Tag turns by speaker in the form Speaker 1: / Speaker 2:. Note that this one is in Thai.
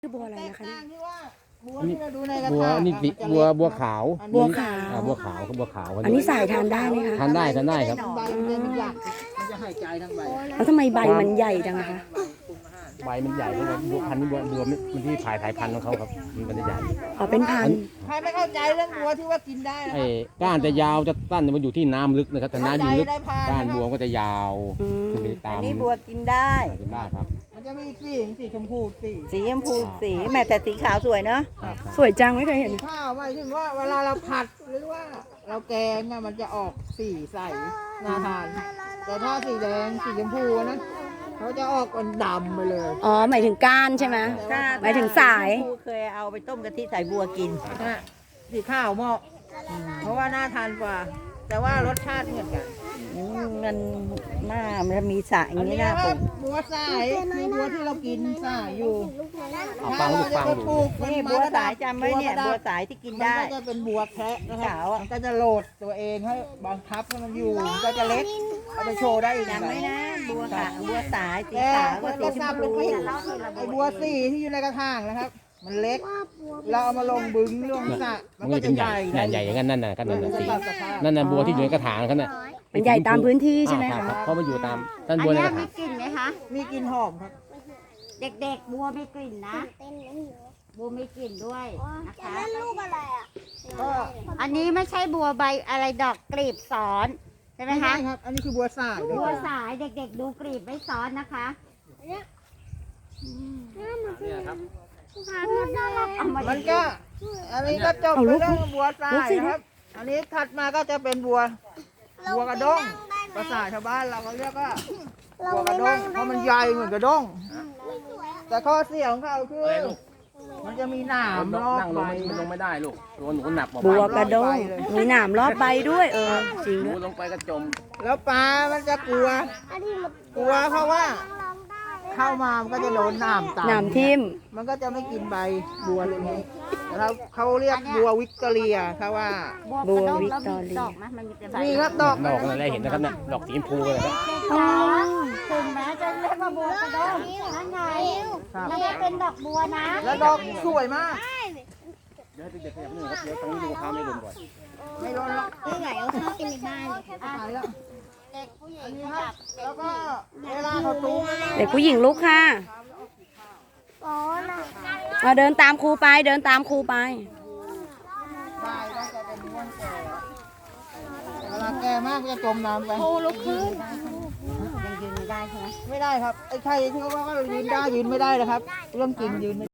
Speaker 1: คือบัวอะไรนะคะเนี่ย
Speaker 2: บัวที่เราดูในกระ
Speaker 3: บัว
Speaker 2: ถาง
Speaker 3: นี่สิบัวขาว
Speaker 1: บัวขาว
Speaker 3: บัวขาวครับบัวขาว
Speaker 1: อันนี้สายทานได้ไหมคะ
Speaker 3: ทานได้ครับ
Speaker 2: ใบมันเป็นหยักมันจะหายใจทั้งใบ
Speaker 1: แล้วทำไมใบมันใหญ่จังอะคะ
Speaker 3: ใบมันใหญ่เพราะว่าบัวพันธุ์บัวมันที่ถ่ายพันธุ์ของเขาครับมันจะใหญ่
Speaker 1: อ๋อเป็นพันธุ์
Speaker 2: ใครไม่เข้าใจเรื่องบัวที่ว่ากินได้นะ
Speaker 3: ไอ้ก้านจะยาวจะสั้นมันอยู่ที่น้ำลึกนะครับแต่น้ำอยู่ลึกก้านบัวก็จะยาว
Speaker 1: อืม
Speaker 3: ขึ้นไปตาม
Speaker 4: นี่บัวกินได้
Speaker 3: กินได้ครับ
Speaker 2: มันจะมีสีชมพูสี
Speaker 4: สีชมพูสีแม่แต่สีขาวสวยเนาะ
Speaker 3: ครับ
Speaker 1: สวยจังไม่เคยเห็น
Speaker 2: ข้าวหมายถึงว่าเวลาเราผัดหรือว่าเราแกงอะมันจะออกสีใสน่าทาน แต่ถ้าสีแดงสีชมพูนะเขาจะออกเป็นดำไปเลย
Speaker 1: อ๋อหมายถึงก้านใช่ไหม หมายถึงสาย
Speaker 4: ครูเคยเอาไปต้มกะทิใส่บัวกิน
Speaker 2: นะสีข้าวเหมาะเพราะว่าน่าทานกว่า แต่ว่ารสชาติเหมือนกัน
Speaker 4: มันมันมีสายอย่างนี้
Speaker 2: นะ
Speaker 4: น่า
Speaker 2: ค
Speaker 4: ปลู
Speaker 2: รับ
Speaker 4: ก
Speaker 2: บัวสายคือบัวที่เรากินสายอยู่
Speaker 3: เอาฟังลูกฟัง
Speaker 2: ถ้า
Speaker 3: ดู
Speaker 2: เราจะไปปลูก
Speaker 4: นี่บัวสายจำไว้เนี่ยบัวสายที่กิน
Speaker 2: มัน
Speaker 4: ได้
Speaker 2: ก็จะเป็นบัวแคะนะครับ
Speaker 4: ขาวอะ
Speaker 2: มันก็จะโหลดตัวเองให้บังคับให้มันอยู่มันก็จะเล็กเอาไปโชว์ได้อีก
Speaker 4: จำไว้นะบัวขาวบัวสายสี
Speaker 2: แต่
Speaker 4: ขาว
Speaker 2: มั
Speaker 4: กับ
Speaker 2: น
Speaker 4: สี
Speaker 2: ก็
Speaker 4: ช
Speaker 2: ท
Speaker 4: ม
Speaker 2: ราบ
Speaker 4: พู
Speaker 2: เป็นไอ้บัวสีที่อยู่ในกระถางนะครับ มันเล็ก เราเอามาลงบึงลงสระมัน
Speaker 3: มัน
Speaker 2: ก็
Speaker 3: จะ
Speaker 2: จะ
Speaker 3: เป็น
Speaker 2: ให
Speaker 3: ให
Speaker 2: ญ่
Speaker 3: ญ่ใหญ่อย่างนั้นนั่นน่ะก็นั่น
Speaker 2: มั
Speaker 3: น่ะ
Speaker 2: นจะ
Speaker 3: สี
Speaker 2: ตัดสภาพ
Speaker 3: นั่นน่ะบัวที่อยู่ในกระถางนั่นน่ะ
Speaker 1: มันใหญ่ตามพื้นที่ใช่ไหม
Speaker 3: ค
Speaker 1: คะ
Speaker 3: รับเพราะมันอยู่ตามต้นบัวในกระถาง
Speaker 5: กลิ่นไหมคะ
Speaker 2: มีกลิ่นหอมครับ
Speaker 5: เด็กๆ บัวไม่กลิ่นนะ บัวไม่กลิ่นด้วยนะคะ
Speaker 2: ก็
Speaker 5: อันนี้ไม่ใช่บัวใบอะไรดอกกลีบซ้อนใช่ไหม
Speaker 2: ไม่ใช่
Speaker 5: คะ
Speaker 2: ครับ อันนี้คือบัวสาย
Speaker 5: บัวสายเด็กๆ ดูกลีบไม่ซ้อนนะคะ
Speaker 3: เนี่ยครับ
Speaker 5: เอามา
Speaker 2: มันก็ อันนี้ก็จบไปเรื่องบัวสายนะครับ อันนี้ถัดมาก็จะเป็นบัวกระด้งภาษาชาวบ้านเราก็เรียกว่าบัวกระด้งเพราะมันใหญ่เหมือนกระด้งแต่ข้อเสียของเขาคือ
Speaker 3: อะไรลูก
Speaker 2: มันจะมีหนามรอบ
Speaker 3: นั่งล
Speaker 2: ใบ
Speaker 3: งมันลงไม่ได้ลูกตัวหนูหนักกว่า
Speaker 1: บัวกระด้งมีหนามรอบใบด้วยจริง
Speaker 3: หนู
Speaker 1: ด้วย
Speaker 3: ลงไปก็จม
Speaker 2: แล้วปลา มันจะกลัวเพราะว่าเข้ามามันก็จะโดนหนามตาม
Speaker 1: หนามทิ่ม
Speaker 2: มันก็จะไม่กินใบบัวเลยนี้แล้วเขาเรียกบัววิกตอเรียถ้าว่า
Speaker 5: บัวกระด้งแล้วมีดอกไหมมันมีแต่ใบ
Speaker 2: นี่ครับดอก
Speaker 3: ดอกอะไรเห็นนะครับเนี่ยดอกสีชมพูเลยครับ
Speaker 5: จ๋าถึงแม้จะเรียกว่าบัวกระด้งนั่นไง
Speaker 2: ครับ
Speaker 5: ไม่ได้เป็นดอกบัวนะ
Speaker 2: แล้วดอกสวยมาก
Speaker 3: เดี๋ยวให้เด็กๆขยับนิดนึงครับเดี๋ยวทางนี้ดูข้าวไม่ลงก่อน
Speaker 2: ไม่โดนหรอก
Speaker 5: ไม่ไหวเอาข้าวกินในบ้าน
Speaker 2: ตายแล้ว
Speaker 5: เด็กผู้หญิ
Speaker 2: อั
Speaker 5: ง
Speaker 2: นนี้ครับแล้วก็เวลาเขาตุ้ม
Speaker 1: เด็กผู้หญิงลุกค่ะเอาเดินตามครูไปเดินตามครูไป
Speaker 2: ใบก็จะเป็นม้วนแก่เวลาแก่มากก็จะจมน้ำไป
Speaker 5: โอ้ลุกขึ้นยังยืนไม่ได้ใช่ไหม
Speaker 2: ไม่ได้ครับไอ้ใครที่เขาว่ายืนได้ยืนไม่ได้นะครับ เรื่องจริงยืนไม่